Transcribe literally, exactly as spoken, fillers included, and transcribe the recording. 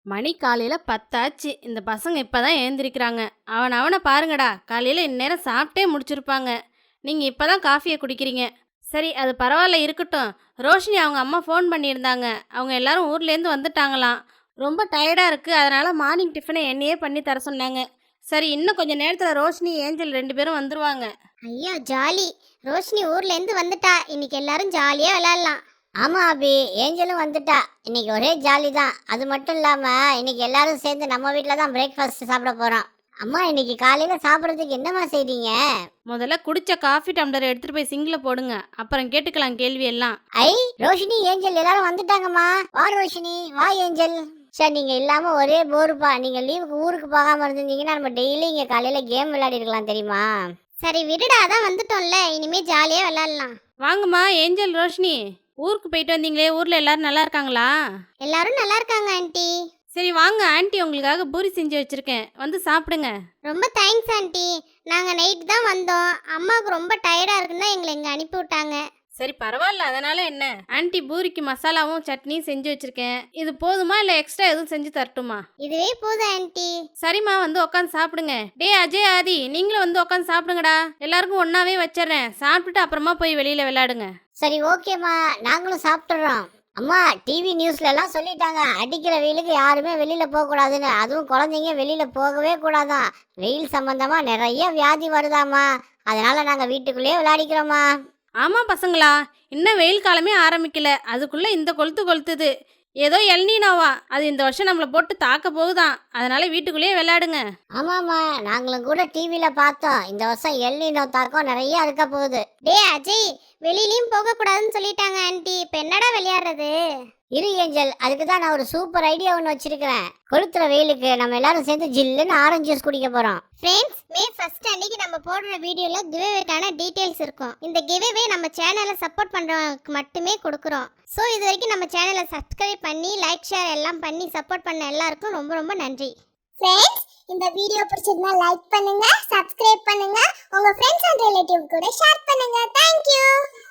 மணி காலையில பத்தாச்சு. இந்த பசங்க இப்பதான் எழுந்திரிக்கிறாங்க. அவன அவன பாருங்கடா. காலையில இந்நேரம் சாப்பிட்டே முடிச்சிருப்பாங்க. நீங்க இப்பதான் காஃபிய குடிக்கிறீங்க. சரி, அது பரவாயில்ல இருக்கட்டும். ரோஷினி அவங்க அம்மா ஃபோன் பண்ணியிருந்தாங்க. அவங்க எல்லாரும் ஊர்லேருந்து வந்துட்டாங்களாம். ரொம்ப டயர்டா இருக்கு. அதனால மார்னிங் டிஃபனை என்னையே பண்ணி தர சொன்னாங்க. சரி, இன்னும் கொஞ்ச நேரத்துல ரோஷினி, ஏஞ்சல் ரெண்டு பேரும் வந்துருவாங்க. ஐயோ ஜாலி. ரோஷினி ஊர்ல இருந்து வந்துட்டா. இன்னைக்கு எல்லாரும் ஜாலியா விளையாடலாம். ஆமா அபி, ஏஞ்சலும் வந்துட்டா. இன்னைக்கு ஒரே ஜாலி தான். அது மட்டும் இல்லாம இன்னைக்கு எல்லாரும் சேர்ந்து நம்ம வீட்டில் தான் பிரேக்ஃபாஸ்ட் சாப்பிட போறோம். அம்மா, இன்னைக்கு காலையில சாப்பிட்றதுக்கு என்னம்மா செய்றீங்க? முதல்ல குடிச்ச காஃபி டம்ளர் எடுத்துட்டு போய் சிங்க்ல போடுங்க. அப்புறம் கேட்டுக்கலாம் கேள்வி எல்லாம். ஐ, ரோஷினி ஏஞ்சல் எல்லாரும் வந்துட்டாங்கம்மா. வா ரோஷினி, வா ஏஞ்சல். சார், நீங்க இல்லாம ஒரே போருப்பா. நீங்க லீவுக்கு ஊருக்கு போகாம இருந்தீங்கன்னா நம்ம டெய்லி இங்க காலையில கேம் விளையாடி இருக்கலாம் தெரியுமா? சரி விடுடா, அதான் வந்துட்டோம்ல, இனிமே ஜாலியா விளையாடலாம். வாங்கம்மா ஏஞ்சல், ரோஷினி. ஊருக்கு போயிட்டு வந்தீங்களே, ஊர்ல எல்லாரும் நல்லா இருக்காங்களா? எல்லாரும் நல்லா இருக்காங்க ஆண்டி. சரி வாங்க, ஆண்டி உங்களுக்காக பூரி செஞ்சு வச்சிருக்கேன், வந்து சாப்பிடுங்க. ரொம்ப தேங்க்ஸ் ஆண்டி. நாங்க நைட் தான் வந்தோம். அம்மாவுக்கு ரொம்ப டயர்டா இருக்குன்னு தான் எங்களை இங்க அனுப்பி விட்டாங்க. சரி பரவாயில்ல, அதனால என்ன. ஆண்டி பூரிக்கு மசாலாவும் சட்னியும் செஞ்சு வச்சிருக்கேன். இது போதுமா இல்ல எக்ஸ்ட்ரா எதுவும் செஞ்சு தரட்டுமா? இதுவே போதும் ஆண்டி. சரிம்மா, வந்து உட்காந்து சாப்பிடுங்க. டே அஜய், ஆதி, நீங்களும் வந்து உட்காந்து சாப்பிடுங்கடா. எல்லாருக்கும் ஒன்னாவே வச்சிடறேன். சாப்பிட்டுட்டு அப்புறமா போய் வெளியில விளையாடுங்க. சரி ஓகேம்மா, நாங்களும் சாப்பிட்டுறோம். அம்மா, டிவி நியூஸ்ல எல்லாம் சொல்லிட்டாங்க, அடிக்கிற வெயிலுக்கு யாருமே வெளியில போக கூடாதுன்னு. அதுவும் குழந்தைங்க வெளியில போகவே கூடாதான். வெயில் சம்பந்தமா நிறைய வியாதி வருதாமா. அதனால நாங்க வீட்டுக்குள்ளேயே விளையாடிக்கிறோமா. ஆமா பசங்களா, இன்னும் வெயில் காலமே ஆரம்பிக்கல, அதுக்குள்ள இந்த கொளுத்து கொளுத்துது. ஏதோ எல்னினோவா, அது இந்த வருஷம் நம்மளை போட்டு தாக்க போகுதான். அதனால வீட்டுக்குள்ளேயே விளையாடுங்க. ஆமாம்மா, நாங்களும் கூட டிவியில பார்த்தோம். இந்த வருஷம் எல்னினோ தாக்கம் நிறைய இருக்க போகுது. டே அஜய், வெளியிலயும் போக கூடாதுன்னு சொல்லிட்டாங்க ஆண்டி. இப்ப என்னடா விளையாடுறது? இரு ஏஞ்சல், அதுக்கு தான் நான் ஒரு சூப்பர் ஐடியா ஒன்று வச்சிருக்கிறேன். கொளுத்துற வெயிலுக்கு நம்ம எல்லாரும் சேர்ந்து ஜில்லுன்னு ஆரஞ்சு ஜூஸ் குடிக்க போறோம். ஃப்ரெண்ட்ஸ், மே ஃபர்ஸ்ட் அன்னைக்கு நம்ம போடுற வீடியோல கிவ்அவேக்கான டீடைல்ஸ் இருக்கும். இந்த கிவ்அவே நம்ம சேனலை சப்போர்ட் பண்றவங்களுக்கு மட்டுமே கொடுக்குறோம். ஸோ இது வரைக்கும் நம்ம சேனலை சப்ஸ்கிரைப் பண்ணி லைக் ஷேர் எல்லாம் பண்ணி சப்போர்ட் பண்ண எல்லாருக்கும் ரொம்ப ரொம்ப நன்றி. ஃப்ரெண்ட்ஸ், இந்த வீடியோ பிடிச்சிருந்தா லைக் பண்ணுங்க, சப்ஸ்கிரைப் பண்ணுங்க, உங்க ஃப்ரெண்ட்ஸ் அண்ட் ரிலேட்டிவ் கூட ஷேர் பண்ணுங்க. Thank you.